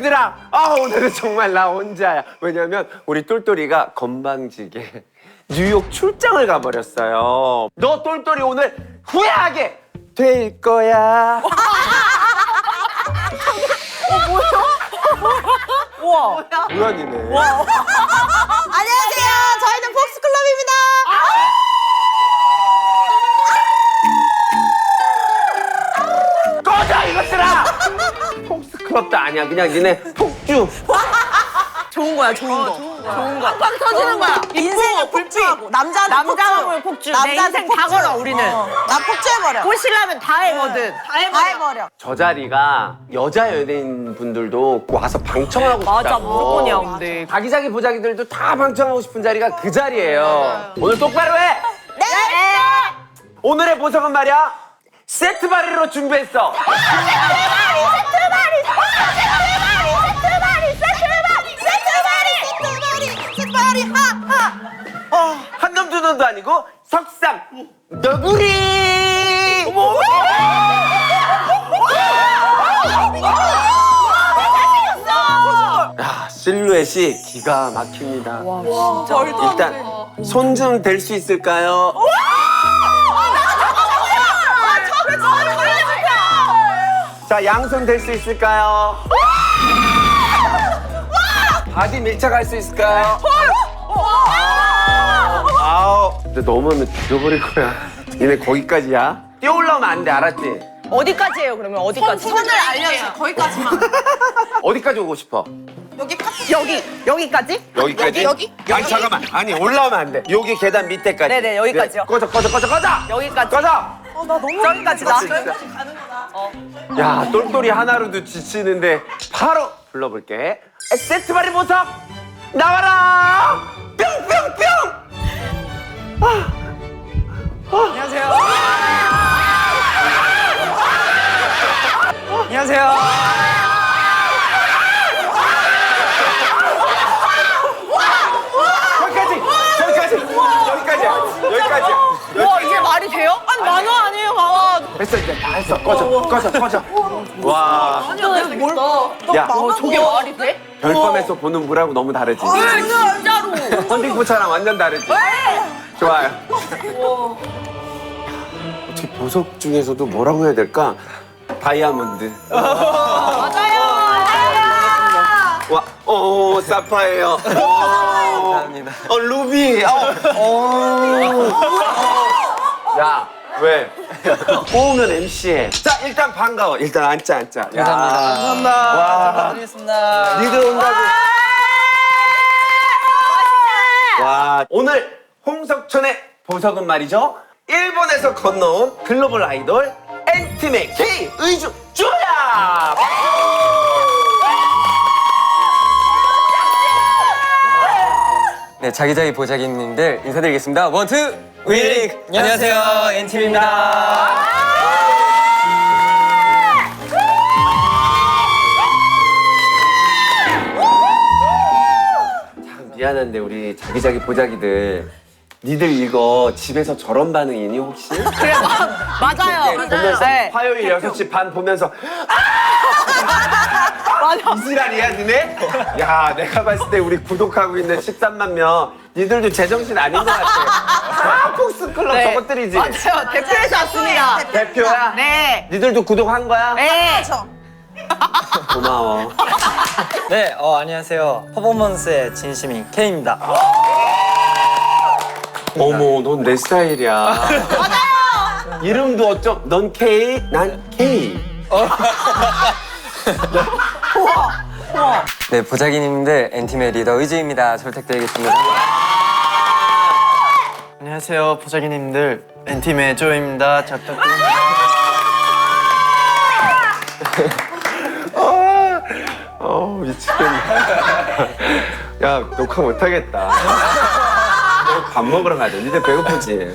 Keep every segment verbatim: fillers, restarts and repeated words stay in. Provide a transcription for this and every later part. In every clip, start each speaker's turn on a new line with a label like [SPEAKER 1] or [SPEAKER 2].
[SPEAKER 1] 자기들아, 아 오늘은 정말 나 혼자야. 왜냐면 우리 똘똘이가 건방지게 뉴욕 출장을 가버렸어요. 너 똘똘이 오늘 후회하게 될 거야.
[SPEAKER 2] 우와.
[SPEAKER 1] 우연이네.
[SPEAKER 2] 안녕하세요. 저희는 폭스클럽입니다.
[SPEAKER 1] 꺼져 이것들아! 폭스클럽도 아니야. 그냥 니네 폭주.
[SPEAKER 2] 좋은 거야, 좋은 거. 좋은 거. 팡팡 터지는 거야. 인생을 폭주하고. 남자는
[SPEAKER 3] 남자는 폭주. 내 인생 다 걸어, 우리는.
[SPEAKER 2] 나 폭주해버려.
[SPEAKER 3] 꼬시려면 다 해거든.
[SPEAKER 2] 다 해버려. 다 해버려.
[SPEAKER 1] 저 자리가 여자 연예인 분들도 와서 방청하고 싶다고.
[SPEAKER 3] 맞아, 무조건이야, 근데.
[SPEAKER 1] 자기자기 보자기들도 다 방청하고 싶은 자리가 그 자리예요. 오늘 똑바로 해!
[SPEAKER 2] 네!
[SPEAKER 1] 오늘의 보석은 말이야 세트 바리로 준비했어. 한 놈 두 놈도 아니고 석삼 너구리. 어머. 야 실루엣이 기가 막힙니다.
[SPEAKER 3] 와, 진짜.
[SPEAKER 1] 일단 손 좀 댈 수 있을까요? 자 양손 댈 수 있을까요? 바디 밀착할 수 있을까요? 아우 근데 넘으면 죽여버릴 거야. 얘네 거기까지야. 뛰어 올라오면 안 돼 알았지?
[SPEAKER 3] 어디까지예요, 그러면? 어디까지?
[SPEAKER 2] 손을 알려줘. 거기까지만.
[SPEAKER 1] 어디까지 오고 싶어?
[SPEAKER 2] 여기 파트.
[SPEAKER 3] 여기, 여기까지?
[SPEAKER 1] 여기까지?
[SPEAKER 2] 여기? 여기?
[SPEAKER 1] 아니 잠깐만 아니 올라오면 안 돼. 여기 계단 밑에까지.
[SPEAKER 3] 네네, 여기까지요.
[SPEAKER 1] 네, 꺼져 꺼져 꺼져 꺼져.
[SPEAKER 3] 여기까지.
[SPEAKER 1] 꺼져.
[SPEAKER 2] 어, 나 너무
[SPEAKER 3] 저기까지다.
[SPEAKER 1] 진짜. 야 똘똘이 하나로도 지치는데 바로 불러볼게. 세트 바리 보석 나와라. 뿅뿅뿅.
[SPEAKER 4] 안녕하세요. 안녕하세요.
[SPEAKER 1] 여기까지 여기까지 여기까지야 여기까지야.
[SPEAKER 3] 와, 이게 말이 돼요? 아니, 만화 아니에요, 만화.
[SPEAKER 1] 됐어 이제 다 했어. 꺼져 꺼져 꺼져. 와.
[SPEAKER 3] 뭘?
[SPEAKER 1] 야
[SPEAKER 3] 저게 말이 돼?
[SPEAKER 1] 별밤에서 보는 물하고 너무 다르지.
[SPEAKER 3] 네, 진짜로.
[SPEAKER 1] 헌팅포차랑 완전 다르지. 좋아요. 어떻게 보석 중에서도 뭐라고 해야 될까? 다이아몬드.
[SPEAKER 3] 맞아요.
[SPEAKER 1] 와, 어, 사파예요. 감사합니다. 어, 루비. 어, 어. 야, 왜? 꼬우면 엠씨해. 자, 일단 반가워. 일단 앉자, 앉자. 야.
[SPEAKER 4] 감사합니다.
[SPEAKER 1] 와,
[SPEAKER 4] 드리겠습니다.
[SPEAKER 1] 니들 온다고. 와, 오늘 홍석천의 보석은 말이죠. 일본에서 건너온 글로벌 아이돌 엔팀의 K 의주 주야.
[SPEAKER 5] 네, 자기자기 보자기님들 인사드리겠습니다. 원, 투, 윈!
[SPEAKER 4] 안녕하세요. 엔팀입니다.
[SPEAKER 1] 참 미안한데 우리 자기자기 보자기들 니들 이거 집에서 저런 반응이니 혹시?
[SPEAKER 3] 그래, 마, 맞아요.
[SPEAKER 1] 보면서
[SPEAKER 3] 네.
[SPEAKER 1] 화요일 여섯 시 반 보면서
[SPEAKER 3] 맞아.
[SPEAKER 1] 이지랄이야 니네? 야 내가 봤을 때 우리 구독하고 있는 십삼만 명 니들도 제정신 아닌 것 같아. 아 폭스클럽
[SPEAKER 3] 네.
[SPEAKER 1] 저것들이지?
[SPEAKER 3] 맞아요. 대표에서 왔습니다.
[SPEAKER 1] 대표야?
[SPEAKER 3] 네.
[SPEAKER 1] 니들도 구독한 거야?
[SPEAKER 3] 네.
[SPEAKER 1] 고마워.
[SPEAKER 4] 네, 어, 안녕하세요. 퍼포먼스의 진심인 K입니다.
[SPEAKER 1] 어머 넌 내 스타일이야.
[SPEAKER 3] 맞아요.
[SPEAKER 1] 이름도 어쩜 넌 K 난 K.
[SPEAKER 5] 네, 보자기님들 엔팀의 리더 의주입니다. 잘 부탁드리겠습니다.
[SPEAKER 4] 안녕하세요. 보자기님들. 엔팀의 조입니다. 잘 부탁드립니다.
[SPEAKER 1] 아, 어 미치겠네. 야 녹화 못하겠다. 밥 먹으러 가자. 니들 배고프지?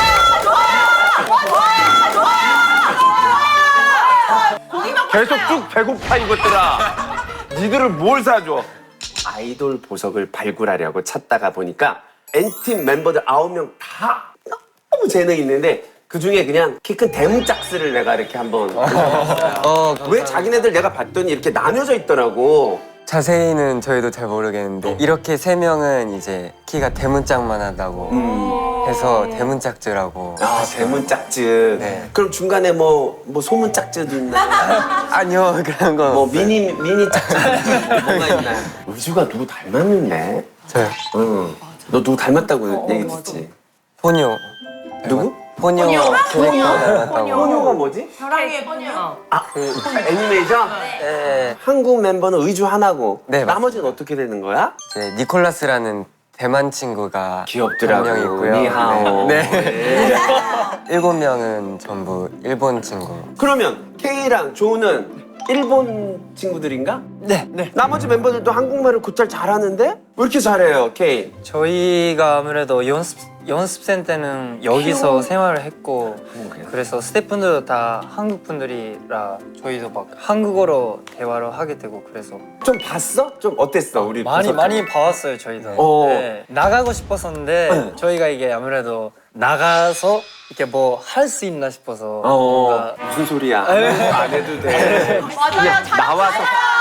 [SPEAKER 1] 계속 쭉 배고파 이것들아. 니들을 뭘 사줘? 아이돌 보석을 발굴하려고 찾다가 보니까 엔팀 멤버들 아홉 명 다 너무 재능 있는데 그 중에 그냥 키 큰 대문짝스를 내가 이렇게 한번
[SPEAKER 5] 어,
[SPEAKER 1] 왜 자기네들 내가 봤더니 이렇게 나뉘어져 있더라고.
[SPEAKER 5] 자세히는 저희도 잘 모르겠는데 이렇게 세 명은 이제 키가 대문짝만 하다고 해서 대문짝즈라고.
[SPEAKER 1] 아 대문짝즈.
[SPEAKER 5] 네.
[SPEAKER 1] 그럼 중간에 뭐 뭐 소문짝즈도 있나요?
[SPEAKER 5] 아니요, 그런 건
[SPEAKER 1] 뭐
[SPEAKER 5] 없어요.
[SPEAKER 1] 미니 미니 짝즈 뭐가 있나요? 의주가 누구 닮았는데?
[SPEAKER 5] 저요.
[SPEAKER 1] 응. 너 누구 닮았다고 얘기 듣지?
[SPEAKER 5] 포뇨.
[SPEAKER 1] 누구?
[SPEAKER 5] 포뇨. 포뇨 닮았다고.
[SPEAKER 1] 포뇨가 뭐지?
[SPEAKER 2] 사랑의 포뇨.
[SPEAKER 1] 아, 애니메이션?
[SPEAKER 5] 네.
[SPEAKER 1] 한국 멤버는 의주 하나고
[SPEAKER 5] 네, 맞습니다.
[SPEAKER 1] 나머지는 어떻게 되는 거야?
[SPEAKER 5] 이제 니콜라스라는 대만 친구가
[SPEAKER 1] 귀엽더라고.
[SPEAKER 5] 한 명 있고요.
[SPEAKER 1] 니하오.
[SPEAKER 5] 네.
[SPEAKER 1] 네.
[SPEAKER 5] 일곱 명은 전부 일본 친구.
[SPEAKER 1] 그러면 K랑 조는 일본 친구들인가?
[SPEAKER 4] 네, 네.
[SPEAKER 1] 나머지 멤버들도 한국말을 곧잘 잘하는데? 왜 이렇게 잘해요, K?
[SPEAKER 4] 저희가 아무래도 연습 연습생 때는 여기서 생활을 했고 그래서 스태프분들도 다 한국 분들이라 저희도 막 한국어로 대화를 하게 되고 그래서
[SPEAKER 1] 좀 봤어? 좀 어땠어, 우리?
[SPEAKER 4] 많이
[SPEAKER 1] 콘서트?
[SPEAKER 4] 많이 봐왔어요 저희도.
[SPEAKER 1] 어.
[SPEAKER 4] 네, 나가고 싶었었는데
[SPEAKER 1] 네.
[SPEAKER 4] 저희가 이게 아무래도 나가서 이렇게 뭐 할 수 있나 싶어서
[SPEAKER 1] 어,
[SPEAKER 4] 뭔가
[SPEAKER 1] 무슨 소리야?
[SPEAKER 4] 네.
[SPEAKER 1] 안 해도 돼.
[SPEAKER 3] 맞아요.
[SPEAKER 1] 그냥 나와서.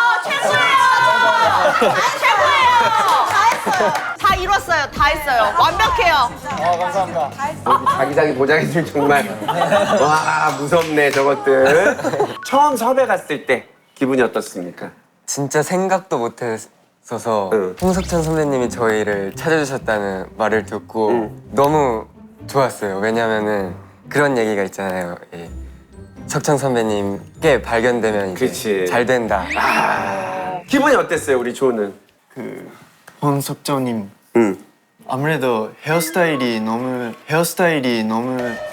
[SPEAKER 3] 최고예요. 최고예요. 다 했어요. 다 이뤘어요. 다 했어요. 완벽해요.
[SPEAKER 4] 아 감사합니다.
[SPEAKER 1] 여기 자기자기 보자기들 정말 와 무섭네 저것들. 처음 섭외 갔을 때 기분이 어떻습니까?
[SPEAKER 5] 진짜 생각도 못했어서
[SPEAKER 1] 응.
[SPEAKER 5] 홍석천 선배님이 저희를 찾아주셨다는 말을 듣고
[SPEAKER 1] 응.
[SPEAKER 5] 너무 좋았어요. 왜냐면은 그런 얘기가 있잖아요. 이 석천 선배님께 발견되면 이제
[SPEAKER 1] 그치.
[SPEAKER 5] 잘 된다.
[SPEAKER 1] 기분이 어땠어요 우리 조는?
[SPEAKER 6] 그 홍석정님
[SPEAKER 1] 응.
[SPEAKER 6] 아무래도 헤어스타일이 너무 헤어스타일이 너무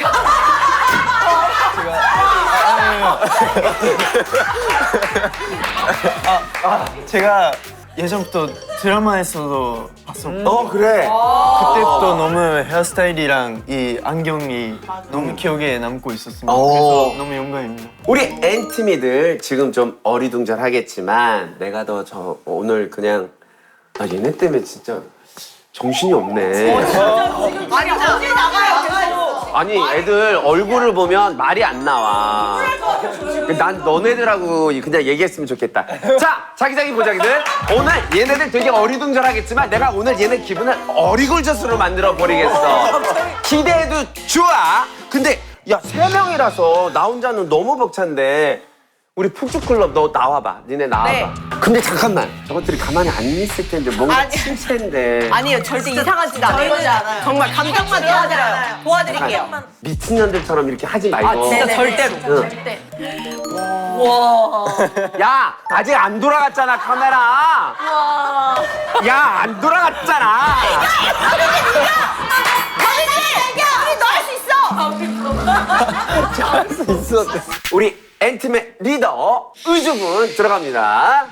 [SPEAKER 6] 아, 아, 제가 예전부터 드라마에서도 봤었고
[SPEAKER 1] 어 그래.
[SPEAKER 6] 그때부터 너무 헤어스타일이랑 이 안경이 너무 기억에 남고 있었습니다.
[SPEAKER 1] 오.
[SPEAKER 6] 그래서 너무 영광입니다.
[SPEAKER 1] 우리 엔티미들 지금 좀 어리둥절하겠지만 내가 더 저 오늘 그냥 아 얘네 때문에 진짜 정신이 없네.
[SPEAKER 3] 아니 어디 나가요?
[SPEAKER 1] 아니 애들 얼굴을 보면 말이 안 나와. 난 너네들하고 그냥 얘기했으면 좋겠다. 자 자기자기 보자기들 오늘 얘네들 되게 어리둥절하겠지만 내가 오늘 얘네 기분을 어리굴젓으로 만들어 버리겠어. 기대해도 좋아. 근데 야 세 명이라서 나 혼자는 너무 벅찬데 우리 푹주클럽 너 나와봐. 니네 나와봐.
[SPEAKER 3] 네.
[SPEAKER 1] 근데 잠깐만 저것들이 가만히 안 있을 텐데 뭔가
[SPEAKER 3] 아니.
[SPEAKER 1] 침체인데.
[SPEAKER 3] 아니요, 절대 이상한 짓 안 해요. 정말 감정만 도와드려요. 도와드릴게요.
[SPEAKER 1] 미친년들처럼 이렇게 하지 말고.
[SPEAKER 3] 아, 진짜 절대로.
[SPEAKER 1] 응. 야 아직 안 돌아갔잖아 카메라. 야 안 돌아갔잖아.
[SPEAKER 3] 할수 있어.
[SPEAKER 1] 우리 엔팀의 리더 의주군 들어갑니다.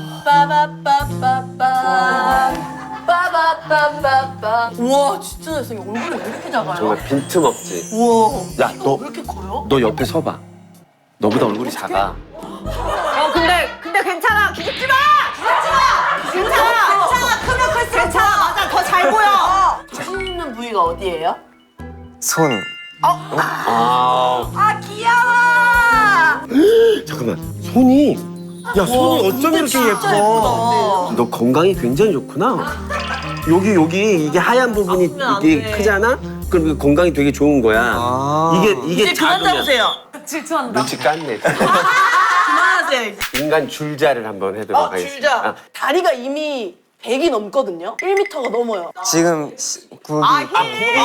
[SPEAKER 3] 빠바빠빠빠. 빠바빠빠빠. 우와, 진짜 잘생겨. 얼굴이 왜 이렇게 작아요?
[SPEAKER 1] 정말 빈틈없지.
[SPEAKER 3] 우와.
[SPEAKER 1] 야 너
[SPEAKER 3] 왜 이렇게 커요?
[SPEAKER 1] 너 옆에 서봐. 너보다 얼굴이 작아.
[SPEAKER 3] 어, 근데, 근데 괜찮아. 기죽지 마! 기죽지 마! 괜찮아. 괜찮아. 크면 클수록 괜찮아. 맞아. 더 잘 보여. 자신 있는 부위가 어디예요?
[SPEAKER 5] 손.
[SPEAKER 1] 아
[SPEAKER 3] 아, 귀여워.
[SPEAKER 1] 잠깐만 손이 야 손이 어쩜 이렇게
[SPEAKER 3] 진짜
[SPEAKER 1] 예뻐.
[SPEAKER 3] 예쁘다.
[SPEAKER 1] 너 건강이 굉장히 좋구나. 여기 여기 이게 하얀 부분이
[SPEAKER 3] 아프면 안
[SPEAKER 1] 이게
[SPEAKER 3] 돼.
[SPEAKER 1] 크잖아. 그럼 이게 건강이 되게 좋은 거야. 이게 이게
[SPEAKER 3] 이제 그만
[SPEAKER 1] 작으면
[SPEAKER 3] 잡으세요. 질투한다.
[SPEAKER 1] 눈치 깠네.
[SPEAKER 3] 그만하세요.
[SPEAKER 1] 인간 줄자를 한번 해도록
[SPEAKER 3] 어,
[SPEAKER 1] 하겠습니다.
[SPEAKER 3] 줄자.
[SPEAKER 1] 아,
[SPEAKER 3] 다리가 이미 백이 넘거든요. 일 미터가 넘어요.
[SPEAKER 5] 지금 시- 굽이
[SPEAKER 3] 아, 힐.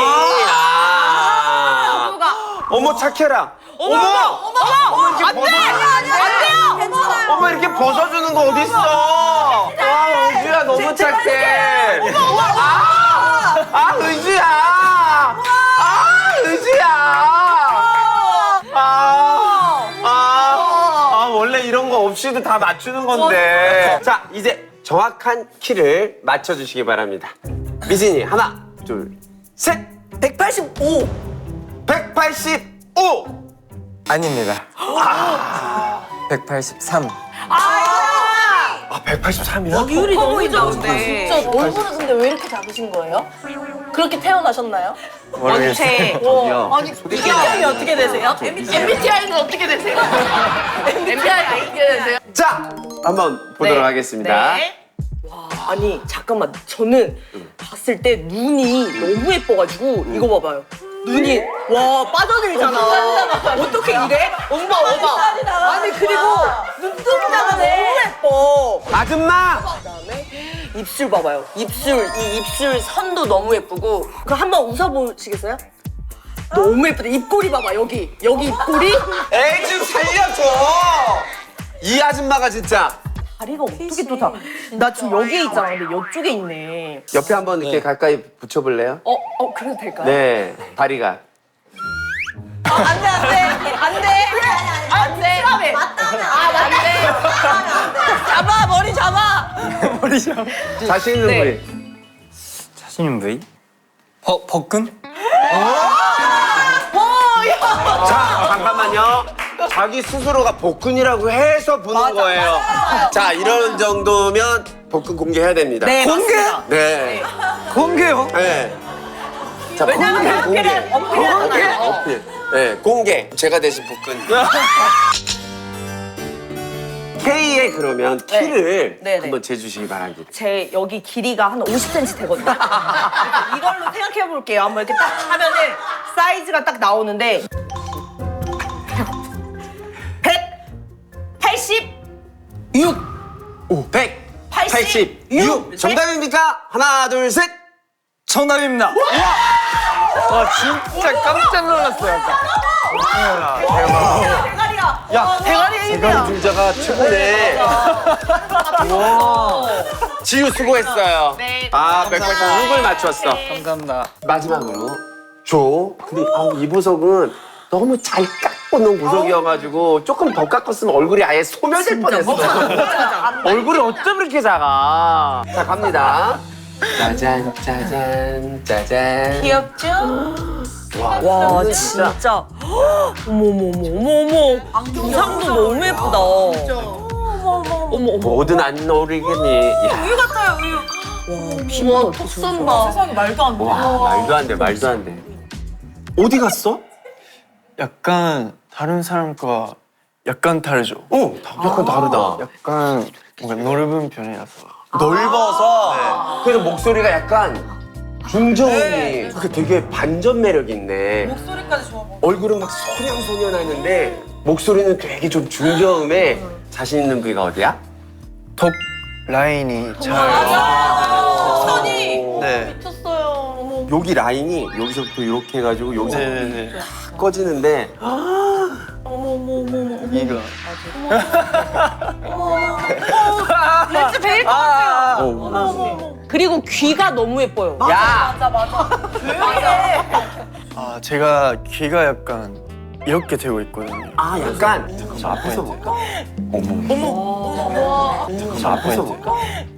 [SPEAKER 1] 아,
[SPEAKER 3] 누가?
[SPEAKER 1] 어머 착해라. 어머,
[SPEAKER 3] 어머, 어머, 어머, 안 돼, 안 돼요. 괜찮아요.
[SPEAKER 1] 어머 이렇게 벗어주는 거 어딨어? 와 의주야 너무 착해. 아, 아 의주야. 아 의주야. 아, 아, 아 원래 이런 거 없이도 다 맞추는 건데. 자 이제 정확한 키를 맞춰주시기 바랍니다. 미진이 하나, 둘, 셋.
[SPEAKER 3] 백팔십오.
[SPEAKER 1] 백팔십오.
[SPEAKER 5] 아닙니다. 백팔십삼.
[SPEAKER 3] 아,
[SPEAKER 1] 아 백팔십삼이야?
[SPEAKER 3] 비율이 너무
[SPEAKER 2] 보이죠,
[SPEAKER 3] 좋은데.
[SPEAKER 2] 진짜 얼굴은 근데 왜 이렇게 작으신 거예요? 그렇게 태어나셨나요?
[SPEAKER 3] 원체.
[SPEAKER 1] 저기요.
[SPEAKER 2] 아니 엠비티아이 어떻게 되세요? 엠비티아이는 어떻게 되세요? 엠비티아이 어떻게 되세요?
[SPEAKER 1] 자 한번 보도록 하겠습니다.
[SPEAKER 3] 네. 와, 아니 잠깐만 저는 봤을 때 눈이 너무 예뻐가지고 이거 봐봐요. 눈이 와 빠져들잖아. 어떻게 이래? 엄마 엄마. 아니 그리고 눈동자가 너무 예뻐.
[SPEAKER 1] 아줌마.
[SPEAKER 3] 그다음에 입술 봐봐요. 입술 이 입술 선도 너무 예쁘고. 그 한번 웃어보시겠어요? 너무 예쁘다. 입꼬리 봐봐 여기 여기 입꼬리.
[SPEAKER 1] 에이 좀 살려줘. 이 아줌마가 진짜.
[SPEAKER 3] 다리가 어떻게 또 다. 나 지금 여기에 있잖아. 근데 이쪽에 있네.
[SPEAKER 1] 옆에 한번 이렇게 가까이 붙여볼래요?
[SPEAKER 3] 어, 어, 그래도 될까요?
[SPEAKER 1] 네 다리가.
[SPEAKER 3] 안 돼, 안 돼. 안 돼. 안 돼. 맞다면. 아, 맞다. 잡아, 머리 잡아.
[SPEAKER 4] 머리 좀.
[SPEAKER 1] 자신 있는
[SPEAKER 3] 네.
[SPEAKER 1] 부위.
[SPEAKER 4] 자신 있는 부위? 버 버근?
[SPEAKER 1] 자 잠깐만요. 자기 스스로가 복근이라고 해서 보는 거예요. 자 이런 정도면 복근 공개해야 됩니다.
[SPEAKER 3] 네,
[SPEAKER 4] 공개?
[SPEAKER 3] 맞습니다.
[SPEAKER 1] 네.
[SPEAKER 4] 공개요?
[SPEAKER 1] 네. 자
[SPEAKER 3] 왜냐면
[SPEAKER 1] 공개 공개.
[SPEAKER 3] 어필을, 어필을 하잖아요.
[SPEAKER 1] 어필. 네 공개. 제가 대신 복근. K의 그러면 키를
[SPEAKER 3] 네, 네.
[SPEAKER 1] 한번 재주시기 바랍니다.
[SPEAKER 3] 제 여기 길이가 한 오십 센티미터 되거든요. 이걸로 생각해 볼게요. 한번 이렇게 딱 하면은 사이즈가 딱 나오는데 백팔십육.
[SPEAKER 1] 오. 백팔십육. 정답입니까? 하나 둘 셋.
[SPEAKER 4] 정답입니다. 와 진짜 깜짝 놀랐어요. 약간.
[SPEAKER 3] 대가리야.
[SPEAKER 1] 야,
[SPEAKER 3] 대가리
[SPEAKER 1] 대가리
[SPEAKER 3] 힘이야.
[SPEAKER 1] 줄자가 최고네. 와. 지우 수고했어요.
[SPEAKER 3] 네,
[SPEAKER 1] 아, 백팔십육을 맞췄어.
[SPEAKER 4] 감사합니다.
[SPEAKER 1] 마지막으로 조. 근데 아, 이 보석은 너무 잘 깎고 놓은 보석이어가지고 조금 더 깎았으면 얼굴이 아예 소멸될 뻔했어. 얼굴이 어쩜 그렇게 작아? 자 갑니다. 짜잔 짜잔 짜잔.
[SPEAKER 3] 귀엽죠?
[SPEAKER 1] 와,
[SPEAKER 3] 와
[SPEAKER 1] 근데
[SPEAKER 3] 진짜 어머머머머머 두상도 너무 예쁘다. 어머 어머.
[SPEAKER 1] 뭐든 안 어울리겠니? 야,
[SPEAKER 3] 우유 같아요 우유. 와 피부가 턱선 봐. 세상에 말도 안 돼.
[SPEAKER 1] 와 말도 안 돼 말도 안 돼. 어디 갔어?
[SPEAKER 6] 약간 다른 사람과 약간 다르죠.
[SPEAKER 1] 어, 약간 다르다.
[SPEAKER 6] 약간 뭔가 넓은 편이라서.
[SPEAKER 1] 넓어서 그래서 목소리가 약간 중저음이 그 되게 반전 매력 있네.
[SPEAKER 3] 목소리까지 좋아 보여.
[SPEAKER 1] 얼굴은 막 소년소년하는데 목소리는 되게 좀 중저음에 자신 있는 부위가 어디야?
[SPEAKER 6] 턱 라인이 잘.
[SPEAKER 3] 선이
[SPEAKER 6] 네.
[SPEAKER 3] 미쳤어요. 어머.
[SPEAKER 1] 여기 라인이 여기서부터 이렇게 해가지고 여기서
[SPEAKER 6] 네네네.
[SPEAKER 1] 탁 꺼지는데
[SPEAKER 6] 이가.
[SPEAKER 3] 렌즈 베일 것 같아요. 그리고 귀가 너무 예뻐요.
[SPEAKER 1] 야!
[SPEAKER 3] 맞아 맞아. 조용히 해.
[SPEAKER 6] 아 제가 귀가 약간 이렇게 되고 있거든요.
[SPEAKER 1] 아 약간 잠깐만 저 앞에서 볼까? 어머 잠깐만 저 앞에서 볼까?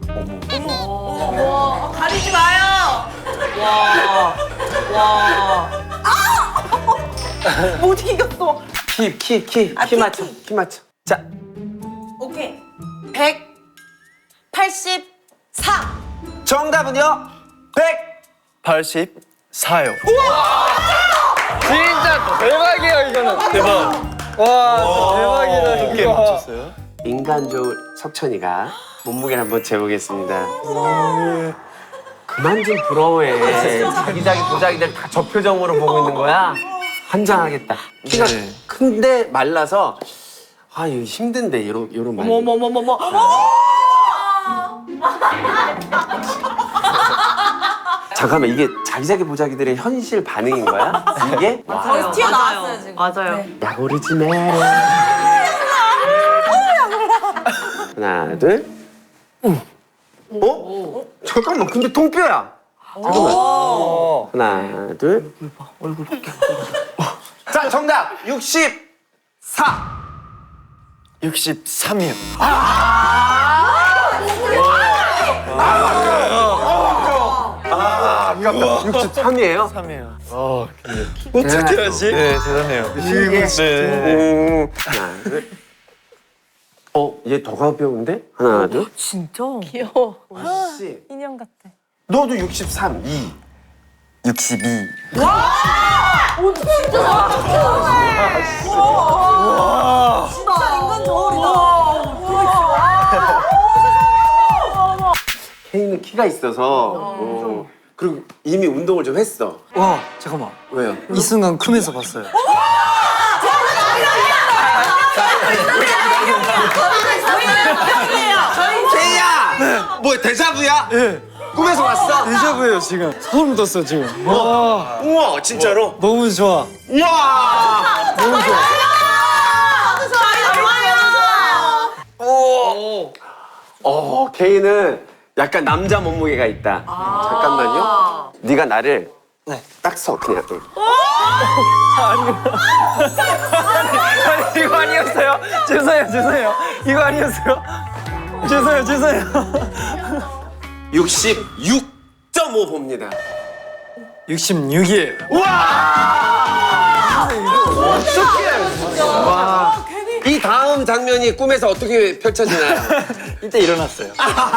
[SPEAKER 3] 가리지 마요. 와. 와. 아! 못 이겼어.
[SPEAKER 1] 키 키 키 키
[SPEAKER 3] 키,
[SPEAKER 1] 맞춰
[SPEAKER 3] 키.
[SPEAKER 1] 키 맞춰. 자
[SPEAKER 3] 오케이. 백팔십사.
[SPEAKER 1] 정답은요? 백.
[SPEAKER 6] 팔십사요.
[SPEAKER 4] 진짜 대박이에요 이거는.
[SPEAKER 6] 대박.
[SPEAKER 4] 와 대박이다
[SPEAKER 6] 어떻게
[SPEAKER 4] 이거.
[SPEAKER 6] 맞췄어요?
[SPEAKER 1] 인간 좋은 석천이가 몸무게를 한번 재보겠습니다. 그만 좀 부러워해. 자기자기 보자기들 다 저 표정으로 보고 있는 거야? 환장하겠다. 키가
[SPEAKER 6] 네.
[SPEAKER 1] 큰데 말라서 아 이거 힘든데 이런 이런 말.
[SPEAKER 3] 어머머머머머.
[SPEAKER 1] 잠깐만 이게 자기자기 보자기들의 현실 반응인 거야? 이게?
[SPEAKER 3] 거의 튀어나왔어요 지금. 맞아요.
[SPEAKER 1] 약 오르지 마라. 하나 둘. 어? 잠깐만 근데 통뼈야. 잠깐만. 하나 둘. 얼굴 봐 얼굴 볼게. 자 정답 육십사.
[SPEAKER 6] 육십삼이요.
[SPEAKER 1] 아 아깝다. 육십삼이에요?
[SPEAKER 6] 삼이요. 아 근데 어떻게 하지? 네 대단해요.
[SPEAKER 1] 이게
[SPEAKER 6] 네.
[SPEAKER 1] 음, 하나 둘. 어, 얘 더 가벼운데? 하나, 둘.
[SPEAKER 3] 진짜?
[SPEAKER 2] 귀여워.
[SPEAKER 1] 씨.
[SPEAKER 2] 인형 같아.
[SPEAKER 1] 너도 육십삼, 이.
[SPEAKER 5] 육십이.
[SPEAKER 2] 진짜 인간 저울이다.
[SPEAKER 1] 케이는 키가 있어서. 어. 그리고 이미 운동을 좀 했어.
[SPEAKER 4] 와 잠깐만
[SPEAKER 1] 왜요?
[SPEAKER 4] 이 순간 꿈에서 봤어요.
[SPEAKER 1] 케이야! 뭐 데자부야? 예. 꿈에서 왔어?
[SPEAKER 4] 데자부예요 지금. 소름 돋았어 지금. 와
[SPEAKER 1] 우와, 진짜로?
[SPEAKER 4] 너무 좋아.
[SPEAKER 1] 우와!
[SPEAKER 4] 너무 좋아.
[SPEAKER 1] 어, 케이는 약간 남자 몸무게가 있다. 잠깐만요. 네가 나를
[SPEAKER 4] 네.
[SPEAKER 1] 딱 서, 그냥. 응.
[SPEAKER 4] 아니 이거 아니었어요. 죄송해요 죄송해요. 이거 아니었어요. 죄송해요 죄송해요.
[SPEAKER 1] 육십육 점 오 봅니다.
[SPEAKER 4] 육십육이에요.
[SPEAKER 1] 우와! 어떡해! 와. 이 다음 장면이 꿈에서 어떻게 펼쳐지나요?
[SPEAKER 4] 이때 일어났어요.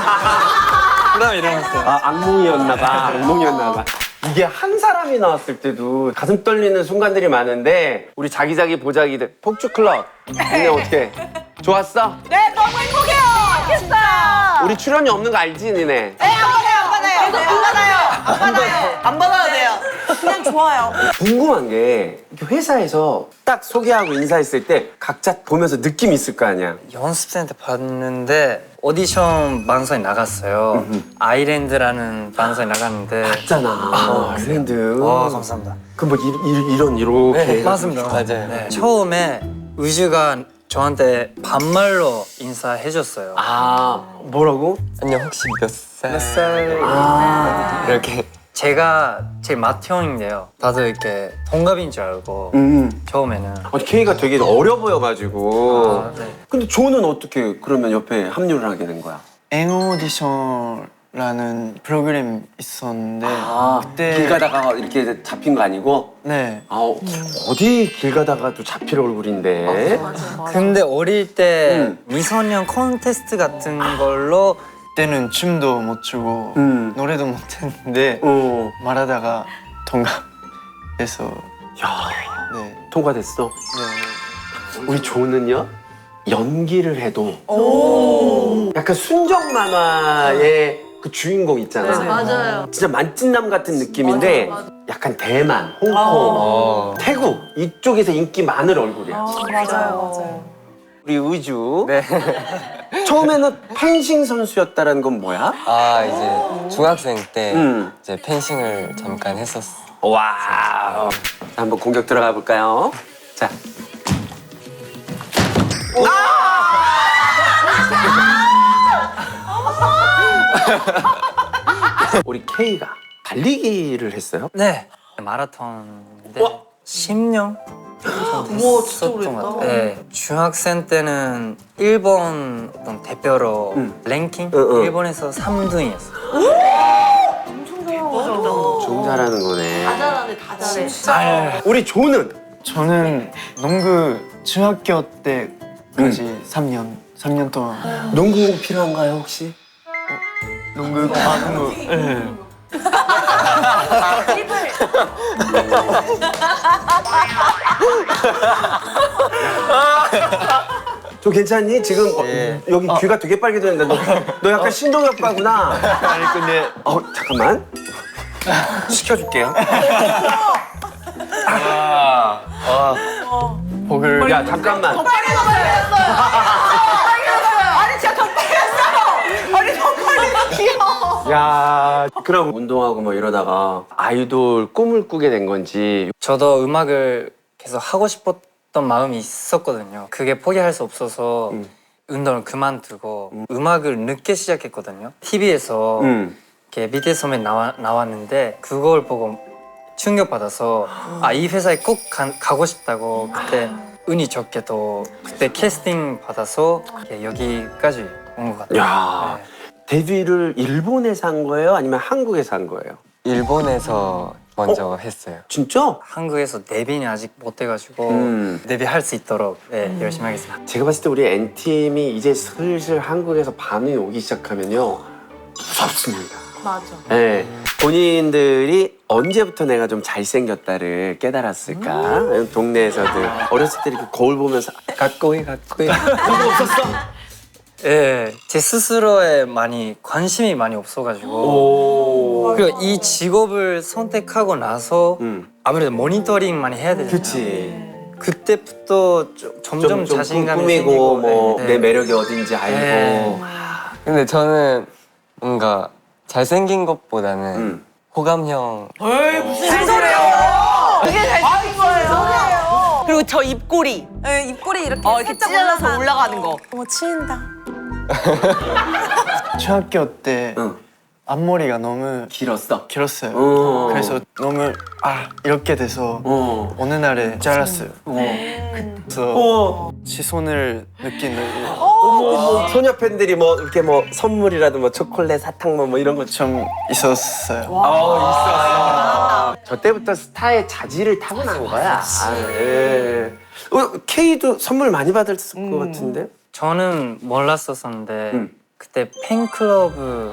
[SPEAKER 4] 그다음 일어났어요.
[SPEAKER 1] 아, 악몽이었나봐. 악몽이었나봐. 이게 한 사람이 나왔을 때도 가슴 떨리는 순간들이 많은데 우리 자기자기 보자기들 폭주클럽 니네 어떻게 좋았어?
[SPEAKER 2] 네, 너무 행복해요. 알겠어.
[SPEAKER 1] 우리 출연이 없는 거 알지 니네?
[SPEAKER 2] 네, 안 받아요, 안 받아요. 안 받아요. 안 받아요. 안 받아야 돼요. 그냥 좋아요.
[SPEAKER 1] 궁금한 게 이렇게 회사에서 딱 소개하고 인사했을 때 각자 보면서 느낌 있을 거 아니야?
[SPEAKER 4] 연습생 때 봤는데 오디션 방송에 나갔어요. 아이랜드라는 방송에 나갔는데.
[SPEAKER 1] 있잖아. 아, 그랜드.
[SPEAKER 4] 와 감사합니다.
[SPEAKER 1] 그럼 뭐 이런 이렇게.
[SPEAKER 4] 네, 맞습니다.
[SPEAKER 5] 맞아요.
[SPEAKER 4] 네. 처음에 우주가 저한테 반말로 인사해줬어요.
[SPEAKER 1] 아, 뭐라고?
[SPEAKER 5] 안녕, 혹시 몇 살?
[SPEAKER 1] 몇 살?
[SPEAKER 5] 아, 이렇게.
[SPEAKER 4] 제가 제 맏형인데요. 다들 이렇게 동갑인 줄 알고
[SPEAKER 1] 음.
[SPEAKER 4] 처음에는.
[SPEAKER 1] 아니, 케이가 되게 어려 보여가지고.
[SPEAKER 4] 아, 네.
[SPEAKER 1] 근데 조는 어떻게 그러면 옆에 합류를 하게 된 거야?
[SPEAKER 6] 앵 오디션라는 프로그램 있었는데
[SPEAKER 1] 아,
[SPEAKER 6] 그때
[SPEAKER 1] 길 가다가 이렇게 잡힌 거 아니고?
[SPEAKER 6] 네
[SPEAKER 1] 아, 어디 길 가다가도 잡힐 얼굴인데?
[SPEAKER 4] 근데 어릴 때
[SPEAKER 1] 음.
[SPEAKER 4] 미소년 콘테스트 같은 걸로
[SPEAKER 6] 그때는 춤도 못 추고
[SPEAKER 1] 음.
[SPEAKER 6] 노래도 못 했는데
[SPEAKER 1] 어.
[SPEAKER 6] 말하다가 통과해서
[SPEAKER 1] 야,
[SPEAKER 6] 네,
[SPEAKER 1] 통과됐어.
[SPEAKER 6] 네.
[SPEAKER 1] 우리 조는요? 연기를 해도 약간 순정 만화의 그 주인공 있잖아.
[SPEAKER 2] 맞아요.
[SPEAKER 1] 진짜 만찢남 같은 느낌인데 약간 대만, 홍콩,
[SPEAKER 5] 어.
[SPEAKER 1] 태국 이쪽에서 인기 많은 얼굴이야.
[SPEAKER 2] 맞아요, 맞아요.
[SPEAKER 1] 우리 의주
[SPEAKER 5] 네.
[SPEAKER 1] 처음에는 펜싱 선수였다라는 건 뭐야?
[SPEAKER 5] 아, 이제 중학생 때
[SPEAKER 1] 음.
[SPEAKER 5] 이제 펜싱을 잠깐 했었어.
[SPEAKER 1] 와, 한번 공격 들어가 볼까요? 자, 우리 K가 달리기를 했어요?
[SPEAKER 4] 네 마라톤인데
[SPEAKER 1] 와.
[SPEAKER 4] 십 년
[SPEAKER 2] 우와, 진짜 오래됐다.
[SPEAKER 4] 네 중학생 때는 일본 어떤 대표로
[SPEAKER 1] 음.
[SPEAKER 4] 랭킹
[SPEAKER 1] 응, 응.
[SPEAKER 4] 일본에서 삼 등이었어요.
[SPEAKER 1] 좀 잘하는 거네.
[SPEAKER 2] 다 잘하네, 다 잘해.
[SPEAKER 1] 우리 조는
[SPEAKER 6] 저는 농구 중학교 때까지 삼 년 삼 년 동안
[SPEAKER 1] 농구 필요한가요 혹시?
[SPEAKER 6] 농구 아 농구 네.
[SPEAKER 1] 좀 괜찮니? 지금 어,
[SPEAKER 5] 예.
[SPEAKER 1] 여기 귀가 되게 빨개졌는데 너, 너 약간 신동엽과구나.
[SPEAKER 6] 아니 근데
[SPEAKER 1] 어 잠깐만 시켜줄게요.
[SPEAKER 6] 복을
[SPEAKER 1] 야 잠깐만.
[SPEAKER 2] 아니, 진짜 더 빨렸어요. 아니, 더 빨리 귀여워.
[SPEAKER 1] 야 그럼 운동하고 뭐 이러다가 아이돌 꿈을 꾸게 된 건지.
[SPEAKER 4] 저도 음악을 계속 하고 싶었던 마음이 있었거든요. 그게 포기할 수 없어서
[SPEAKER 1] 음.
[SPEAKER 4] 운동을 그만두고 음. 악을 늦게 시작했거든요. 티비에서
[SPEAKER 1] 음.
[SPEAKER 4] 이렇게 비티에스 소맨 나와, 나왔는데 그걸 보고 충격받아서 아 이 회사에 꼭 가, 가고 싶다고 그때 운이 좋게도 그때 캐스팅 받아서 이렇게 여기까지 온 것 같아요.
[SPEAKER 1] 야
[SPEAKER 4] 네.
[SPEAKER 1] 데뷔를 일본에서 한 거예요? 아니면 한국에서 한 거예요?
[SPEAKER 5] 일본에서 먼저 했어요.
[SPEAKER 1] 진짜?
[SPEAKER 4] 한국에서 데뷔는 아직 못 해가지고
[SPEAKER 1] 음.
[SPEAKER 4] 데뷔할 수 있도록 네, 열심히 하겠습니다.
[SPEAKER 1] 제가 봤을 때 우리 N팀이 이제 슬슬 한국에서 반응이 오기 시작하면요 무섭습니다.
[SPEAKER 2] 맞아.
[SPEAKER 1] 네. 본인들이 언제부터 내가 좀 잘생겼다를 깨달았을까? 동네에서들 어렸을 때 이렇게 거울 보면서 가까이 가까이 그런 거 없었어?
[SPEAKER 4] 예, 제 스스로에 많이 관심이 많이 없어가지고
[SPEAKER 1] 오.
[SPEAKER 4] 그리고 이 직업을 선택하고 나서
[SPEAKER 1] 음.
[SPEAKER 4] 아무래도 모니터링 많이 해야 되잖아요.
[SPEAKER 1] 그치.
[SPEAKER 4] 그때부터 좀, 점점
[SPEAKER 1] 좀, 좀
[SPEAKER 4] 자신감이
[SPEAKER 1] 꾸미고
[SPEAKER 4] 생기고
[SPEAKER 1] 뭐
[SPEAKER 4] 네.
[SPEAKER 1] 내 매력이 어딘지 알고.
[SPEAKER 4] 네.
[SPEAKER 5] 근데 저는 뭔가 잘생긴 것보다는
[SPEAKER 1] 음.
[SPEAKER 5] 호감형
[SPEAKER 3] 무슨 소리예요? 그게 잘생긴 거예요. 그리고 저 입꼬리.
[SPEAKER 2] 네, 입꼬리 이렇게
[SPEAKER 3] 어, 이렇게
[SPEAKER 2] 살짝
[SPEAKER 3] 찢어져서 올라가는 거.
[SPEAKER 2] 어머 치인다.
[SPEAKER 6] 중학교 때
[SPEAKER 1] 응.
[SPEAKER 6] 앞머리가 너무
[SPEAKER 1] 길었어.
[SPEAKER 6] 길었어요.
[SPEAKER 1] 어.
[SPEAKER 6] 그래서 너무 아 이렇게 돼서
[SPEAKER 1] 어.
[SPEAKER 6] 어느 날에 잘랐어요.
[SPEAKER 1] 어.
[SPEAKER 6] 그래서
[SPEAKER 1] 어.
[SPEAKER 6] 시선을 느끼는
[SPEAKER 1] 뭐 소녀 팬들이 뭐 이렇게 뭐 선물이라도 뭐 초콜릿, 사탕 뭐, 뭐 이런 거
[SPEAKER 6] 좀 있었어요.
[SPEAKER 1] 어, 있었어. 저 때부터 스타의 자질을 타고난 거야. 아, 예. 어, K도 선물 많이 받았을 것 같은데?
[SPEAKER 4] 저는 몰랐었었는데
[SPEAKER 1] 음.
[SPEAKER 4] 그때 팬클럽을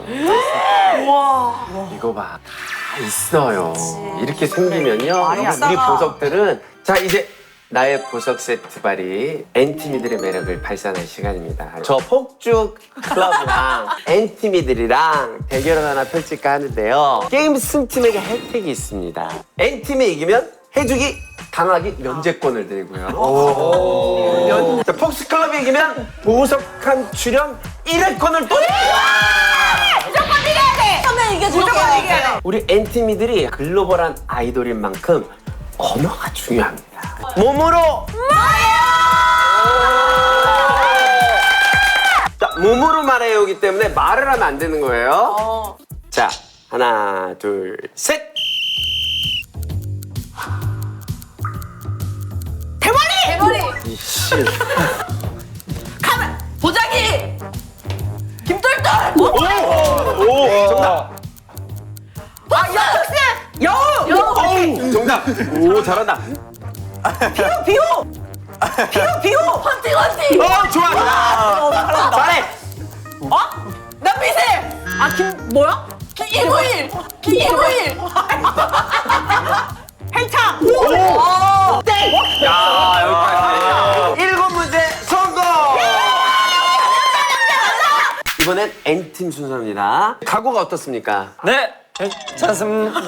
[SPEAKER 1] 이거 봐, 다 있어요. 이렇게 생기면요. 우리 보석들은 자 이제 나의 보석 세트 발이 N팀이들의 매력을 발산할 시간입니다. 저 폭죽 클럽이랑 N팀이들이랑 대결을 하나 펼칠까 하는데요. 게임 승팀에게 혜택이 있습니다. N팀이 이기면 해주기 당하기 면제권을 드리고요. 자, 폭스 클럽이 이기면 보석한 출연 일 회권을 또
[SPEAKER 2] 무조건 이겨야 돼. 처음에 이겨줄게. 무조건 이겨야 돼.
[SPEAKER 1] 우리 N팀이들이 글로벌한 아이돌인 만큼 언어가 중요합니다. 몸으로 자, 몸으로 말해요기 때문에 말을 하면 안 되는 거예요. 자, 하나, 둘, 셋.
[SPEAKER 2] 대머리. 대머리.
[SPEAKER 1] 이씨.
[SPEAKER 2] 카메. 보자기. 김돌돌.
[SPEAKER 1] 오, 오, 정답.
[SPEAKER 2] 아 여우씨. 여우. 여우.
[SPEAKER 1] 오, 정답. 오, 잘한다.
[SPEAKER 2] 비호 비호. 비호 비호. 헌팅 헌팅.
[SPEAKER 1] 어, 좋아, 좋아. 잘해.
[SPEAKER 2] 어? 남미세. 아 김 뭐야? 김일구일. 김일구일. 헬창. 오. 땡.
[SPEAKER 1] 야, 여기까지. 일곱 문제 성공. 이번엔 N팀 순서입니다. 각오가 어떻습니까?
[SPEAKER 4] 네, 괜찮습니다.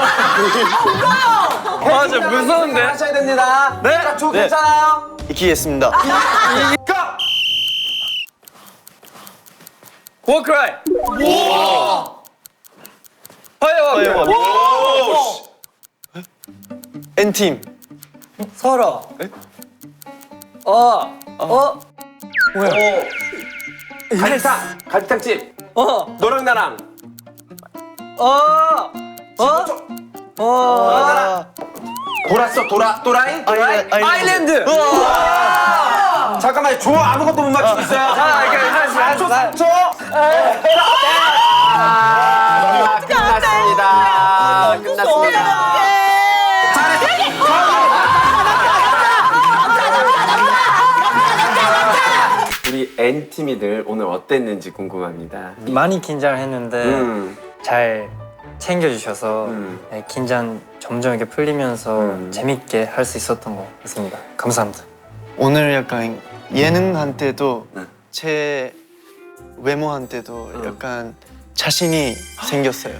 [SPEAKER 4] 맞아, 무서운데?
[SPEAKER 1] 하셔야 됩니다.
[SPEAKER 6] 네.
[SPEAKER 1] 자, 조
[SPEAKER 6] 네.
[SPEAKER 1] 괜찮아요?
[SPEAKER 6] 이기겠습니다.
[SPEAKER 1] 고!
[SPEAKER 4] 워크라이. 파이어.
[SPEAKER 6] N팀.
[SPEAKER 4] 서로. 어. 어.
[SPEAKER 1] 가리탕, 가리탕집.
[SPEAKER 4] 어.
[SPEAKER 1] 너랑 나랑.
[SPEAKER 4] 어. 어. 어.
[SPEAKER 1] 나랑. 돌았어, 돌아, 도라이? 도라이?
[SPEAKER 6] 아일랜드.
[SPEAKER 4] 아일랜드.
[SPEAKER 1] 잠깐만, 조 아무것도 못 맞추고 있어요.
[SPEAKER 4] 자, 이렇게 하나씩,
[SPEAKER 1] 삼 초,
[SPEAKER 4] 하나씩.
[SPEAKER 1] 삼 초. 아, 끝났습니다. 끝났습니다. 우리 N팀이들 오늘 어땠는지 궁금합니다.
[SPEAKER 4] 많이 긴장했는데
[SPEAKER 1] 음.
[SPEAKER 4] 잘 챙겨주셔서
[SPEAKER 1] 음.
[SPEAKER 4] 네, 긴장 점점 이렇게 풀리면서
[SPEAKER 1] 음.
[SPEAKER 4] 재밌게 할 수 있었던 것 같습니다. 감사합니다.
[SPEAKER 6] 오늘 약간 예능한테도
[SPEAKER 1] 네.
[SPEAKER 6] 제 외모한테도 약간 자신이 생겼어요.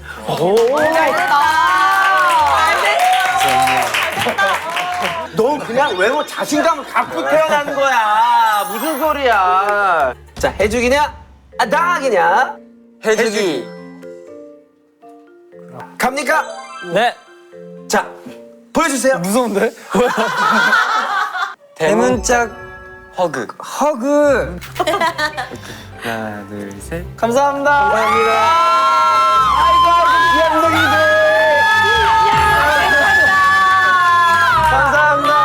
[SPEAKER 1] 너 그냥 외모 자신감을 갖고 태어난 거야. 무슨 소리야. 자, 해주기냐? 아, 당하기냐?
[SPEAKER 5] 해주기.
[SPEAKER 1] 갑니까?
[SPEAKER 4] 네.
[SPEAKER 1] 자, 보여주세요.
[SPEAKER 4] 무서운데?
[SPEAKER 5] 대문짝 허그.
[SPEAKER 4] 허그.
[SPEAKER 5] 하나, 둘, 셋.
[SPEAKER 4] 감사합니다.
[SPEAKER 1] 아이고, 연동이들. 감사합니다.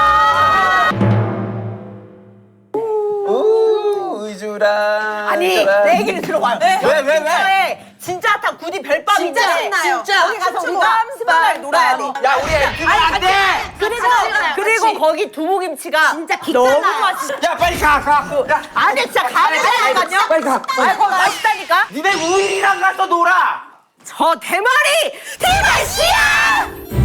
[SPEAKER 1] 오, 의주라.
[SPEAKER 2] 아니 내 얘기를 들어봐요. 왜
[SPEAKER 1] 왜, 왜?
[SPEAKER 2] 진짜에 진짜 설렁탕 구디 별밤인데
[SPEAKER 3] 진짜 신나요.
[SPEAKER 2] 진짜
[SPEAKER 3] 거기 가서
[SPEAKER 2] 춤추고
[SPEAKER 3] 우리가
[SPEAKER 2] 스바를 놀아야 돼.
[SPEAKER 1] 야 우리 애기면 안 돼.
[SPEAKER 3] 그리고 그리고 거기 두부김치가 진짜 너무 맛있어.
[SPEAKER 1] 야 빨리 가 가. 야
[SPEAKER 3] 안돼 진짜 가면 되거든요.
[SPEAKER 1] 빨리 가.
[SPEAKER 3] 아, 그거 맛있다니까.
[SPEAKER 1] 니네 우일이랑 가서 놀아.
[SPEAKER 3] 저 대머리 대만씨야!